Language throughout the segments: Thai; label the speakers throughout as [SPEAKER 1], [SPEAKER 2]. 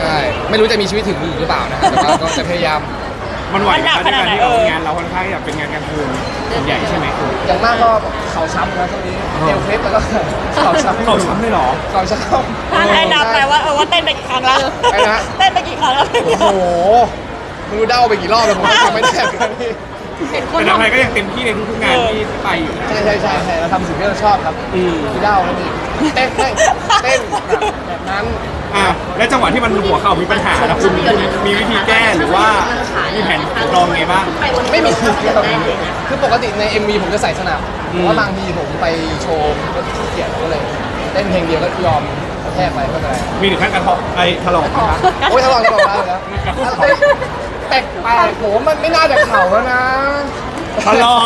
[SPEAKER 1] ช่ไม่รู้จะมีชีวิตถึงหรือเปล่านะแต่ว่าก็จะพยายาม
[SPEAKER 2] มันไหวไหมในการที่เรางานเราค่อนข้างอยากเป็นงานกลางคืนส่วนใหญ่ใช่ไหมคุณ
[SPEAKER 1] อย่างมากก็เข่าช้ำนะช่วงนี้เอวเคล็ดแล้วก็เข่าช้ำ
[SPEAKER 2] เข่าช้ำเลยเหรอ
[SPEAKER 1] เข่าช้ำ
[SPEAKER 3] ให้นับไปว่าเต้นไปกี่ครั้งแล้วเต้นไปกี่ครั้งแล้ว
[SPEAKER 1] โอ้โหไม่รู้เด้าไปกี่รอบแล้วผมจำไม่ได้เหมือนกันพี่
[SPEAKER 2] แต่ทำไมก็ยังเต็มที่ในทุกๆงานที่ไปอยู่
[SPEAKER 1] ใช่เราทำสิ่งที่เราชอบครับพี่เด้าแล้วนี่เต้นแบบนั้น
[SPEAKER 2] และจังหวะที่มันหัวเข่ามีปัญหาแล้วคุณมีวิธีแก้หรือว่ามีแผนรองไงบ้าง
[SPEAKER 1] ไม่มีคือปกติใน MV ผมจะใส่สนับเพราะว่าบางทีผมไปโชว์ก็ขี้เกียจก็เลยเต้นเพลงเดียวก็ยอมแทกไปไม่เป็นไร
[SPEAKER 2] มีถึงขั้นกระทบถลอกไหมครับ
[SPEAKER 1] โอ้ยถลอกได้แล้วแปลกโหมันไม่น่าจะเข่าแล้วนะ
[SPEAKER 2] ถลอก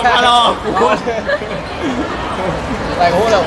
[SPEAKER 1] แต่โหเรา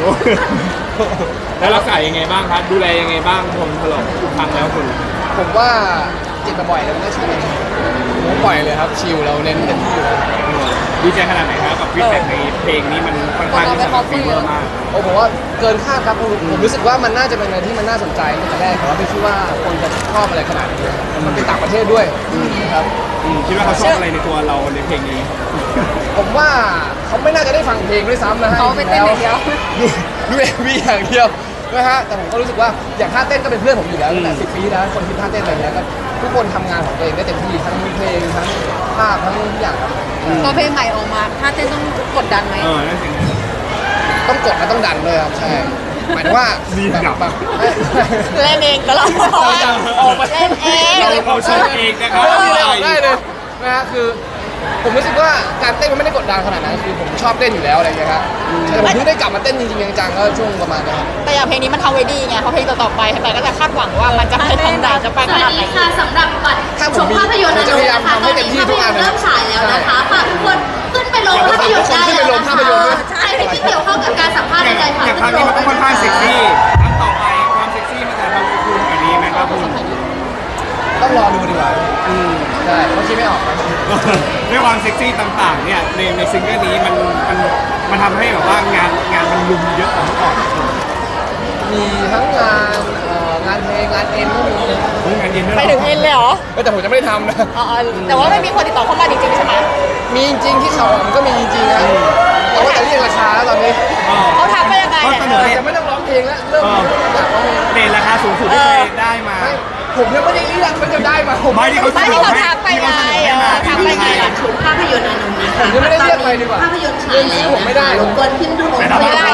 [SPEAKER 2] แล้วรักษายังไงบ้างครับดูแลยังไงบ้างผมถลอกทุกครั้งแล้วคุณ
[SPEAKER 1] ผมว่าจิตบ่อยเลยมันก็ชิลผมปล่อยเลยครับชิลเราเน้นเต็มที่เลย
[SPEAKER 2] ดีใจขนาดไหนครับกับฟีดแบ็กในเพลงนี้มันค่อนข้างที่จะฟีเวอร์มาก
[SPEAKER 1] โอ้ผมว่าเกินคาดครับผมรู้สึกว่ามันน่าจะเป็นอะไรที่มันน่าสนใจตั้งแต่แรกแต่ว่าไม่คิดว่าคนจะชอบอะไรขนาดนี้มันเป็นต่างประเทศด้วยครับ
[SPEAKER 2] คิดว่าเขาชอบอะไรในตัวเราในเพลงนี้
[SPEAKER 1] ผมว่าเขาไม่น่าจะได้ฟังเพลงด้วยซ้ำนะฮะ
[SPEAKER 3] เขาไปเต้นอย่างเดียว
[SPEAKER 1] ดูMVอย่างเดียวนะฮะแต่ผมก็รู้สึกว่าอย่างท่าเต้นก็เป็นเพื่อนผมอยู่แล้วตั้งแต่10 ปีแล้วคนที่ท่าเต้นอะไรเงี้ยก็ทุกคนทำงานของตัวเองได้เต็มที่ทั้งเพลงทั้งภาพทั้งทุกอย่างครับ
[SPEAKER 3] พอเพลงใหม่ออกมาถ้าเต้นต้องกดดันไหม
[SPEAKER 2] นั่นสิ
[SPEAKER 1] ต้องกดและต้องดันเลยครับใช่หมายถึงว่าแบบ
[SPEAKER 3] เล่นเองก็เราออกมาเล่นเอง
[SPEAKER 2] เราชอบเองนะครับ
[SPEAKER 1] ได้เลยนะฮะคือผมรู้สึกว่าการเต้นมันไม่ได้กดดันขนาดนั้นคือผมชอบเต้นอยู่แล้วอะไรอย่างเงี้ยครับแต่ผมเพิ่งได้กลับมาเต้นจริงๆจังๆก็ช่วงประมาณนี้
[SPEAKER 3] แต่อย่างเพลงนี้มันทำไว้ดีไงเพราะเพลงต่อไปแต่ก็จะคาดหวังว่ามันจะให้ทางด่าจะไปขนาดไหน
[SPEAKER 4] ค่ะสำหรับบัตรชมภาพยนตร์นะคะตอนนี้ภาพยนตร์เริ่มฉายแล้วนะคะฝากทุกคนขึ้นไปลงภาพยนตร์ได้เลยนะคะใช่ที่เกี่ยวข้องกับการสัมภาษณ์ใดๆค่ะ
[SPEAKER 2] อย่างครั้งนี้มันค่อนข้างเซ็กซี่ครั้งต่อไปความเซ็กซี่มันจะทำให้คุณแบบนี้ไหมครับคุณ
[SPEAKER 1] ต้องรอดูดีกว่าใช่เพราะคิดไม่ออก
[SPEAKER 2] ด้วยความเซ็กซี่ต่างๆเนี่ยในซิงเกิลนี้มันทำให้แบบว่างานมันลุมเยอะกว่าเมื่อก่อน
[SPEAKER 1] มีทั้งงานเพลงงานเอ็นก็มี
[SPEAKER 2] งานเย็นด้วย
[SPEAKER 3] ไปถึงเอ็นเลยเหรอ
[SPEAKER 1] แต่ผมจะไม่ได้ทำนะ
[SPEAKER 3] แต่ว่าไม่มีคนติดต่อเข้ามาจริงๆใช่ไหม
[SPEAKER 1] มีจริงที่เขามันก็มีจริงนะแต่ว่าจะเรียกราคาแล้วตอนนี้
[SPEAKER 3] เขาทำไปยังไง
[SPEAKER 1] จะไม่ต้องร้องเพลงแล้วเริ่มอยากร้องเพลง
[SPEAKER 2] เรทราคาสูงสุดที่เคยได้มา
[SPEAKER 1] ผมยังไม่ได้เรียกมันจะได้มา
[SPEAKER 2] ไม่ที่เขา
[SPEAKER 3] ทำไปไงทำไปไง
[SPEAKER 4] ชมภาพยนตร์อนุนะคะ
[SPEAKER 1] ผมยังไม่ได้เรียกไปดีกว่า
[SPEAKER 4] ภาพยนตร์ฉายแล้ว
[SPEAKER 1] ผมไม่ได้
[SPEAKER 4] รบกวนขึ้นดูผม
[SPEAKER 3] ไม่ได้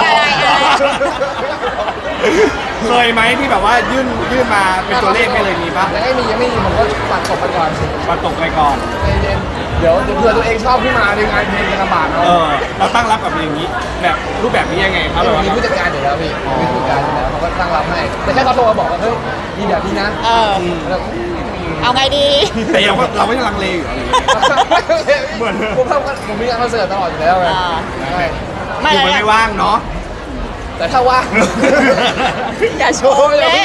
[SPEAKER 2] เคยไหมที่แบบว่ายื่นมาเป็นตัวเลขให้เลยมีปะ
[SPEAKER 1] ยังไม่มีผมก็ปัดตกไปก่อน
[SPEAKER 2] ปัดตกไปก่อน
[SPEAKER 1] เดี๋ยวเผื่อตัวเองชอบขึ้นมาในงานเพลงกันลำบาก
[SPEAKER 2] เราตั้งรับกับอย่างนี้แบบรูปแบบนี้ยังไงครับ
[SPEAKER 1] มีผู้จัดการอยู่แล้วพี่มีผู้จัดการอยู่แล้วเขาก็ตั้งรับให้แต่แค่เขาโทรมาบอกว่าเฮ้ยมีแบบนี้นะ
[SPEAKER 3] เอาไงดี
[SPEAKER 2] แต่เราไม่ลังเลอยู่อะไร
[SPEAKER 1] เหมือนผมมีงานคอนเสิร์ตตลอดอยู่แล้วไง
[SPEAKER 2] ไม่ว่างเนาะ
[SPEAKER 1] แต่ถ้าว่าง
[SPEAKER 3] อย่าโชว์เลย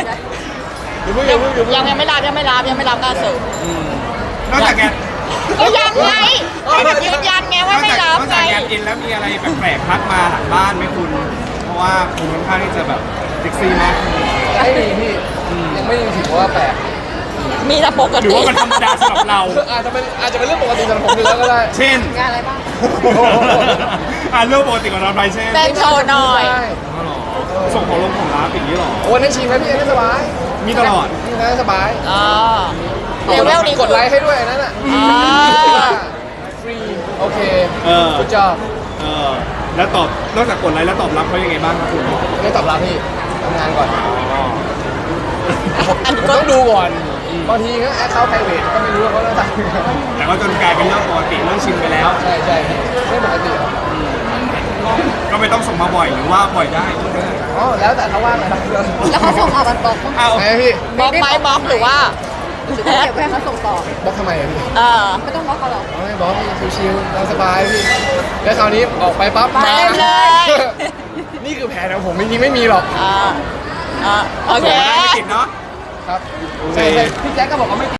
[SPEAKER 3] ยังไม่รับงานเสิร์ฟ
[SPEAKER 2] นอกจากแก
[SPEAKER 3] ก็ยังไงยืนยันไงว่าไม่รับ
[SPEAKER 2] นอกจากแกกินแล้วมีอะไรแปลกๆพัดมาหลังบ้านไหมคุณเพราะว่าคุณค่อนข้างที่จะแบบเซ็กซี่มาก
[SPEAKER 1] ไม่มีพี่ยังไม่ถือว่าแปลก
[SPEAKER 3] มีแต่ปกติ
[SPEAKER 2] หรือว่ามันธรรมดาสำหรับเรา
[SPEAKER 1] อาจจะเป็นเรื่องปกติสำหรับผมอยู่แล้วก็ได้
[SPEAKER 2] เช่น
[SPEAKER 3] งานอะไรบ้าง
[SPEAKER 2] เรื่องปกติของเราไปเช่น
[SPEAKER 3] เป็นโชว์หน่อย
[SPEAKER 2] ส่งของลงของร้านอย่างนี้หรอ
[SPEAKER 1] โอ้นั่นชิมไหมพี่นั่นสบาย
[SPEAKER 2] มีตลอด
[SPEAKER 1] นี่นั่นสบาย
[SPEAKER 3] เลเวลนี้
[SPEAKER 1] กดไลค์ให้ด้วยนั่นอ่ะฟรีโอเคคุณจอบ
[SPEAKER 2] แล้วตอบนอกจากกดไลค์แล้วตอบรับเขายังไงบ้างครับคุณ
[SPEAKER 1] ไม่ตอบรับพี่ทำงานก่อนต้องดูก่อนบางทีก็แอคเคาท์ไพรเวทก็ไม่รู้ว่าเขาจะทำ
[SPEAKER 2] แต่ก็จนกลายเป็นเรื่องปกติเรื่องชินไปแล้ว
[SPEAKER 1] ใช่ไม่ปกติ
[SPEAKER 2] ก็ไม่ต้องส่งมาบ่อยหรือว่าบ่อยได้
[SPEAKER 1] อ๋อแล้วแต่เขาว่างนะครับ
[SPEAKER 3] แล้วเขาส่งออกกันบล็อก
[SPEAKER 1] ไงพี่
[SPEAKER 3] บล็อกไหมบล็อกหรือว่าเก็บไว้เขาส่งต่อบ
[SPEAKER 1] ล็อกทำไมพี่
[SPEAKER 3] ไม่ต้องบล็อกเขาหรอก
[SPEAKER 1] ไม่บล็อกชิวๆสบายพี่แล้วคราวนี้ออกไปปั๊บ
[SPEAKER 3] มาเลย
[SPEAKER 1] นี่คือแผนของผมจริงๆไม่มีหรอก
[SPEAKER 3] โอเค
[SPEAKER 2] ไม่ติดเนาะ
[SPEAKER 1] ครับพี่แจ๊คก็บอกว่าไม่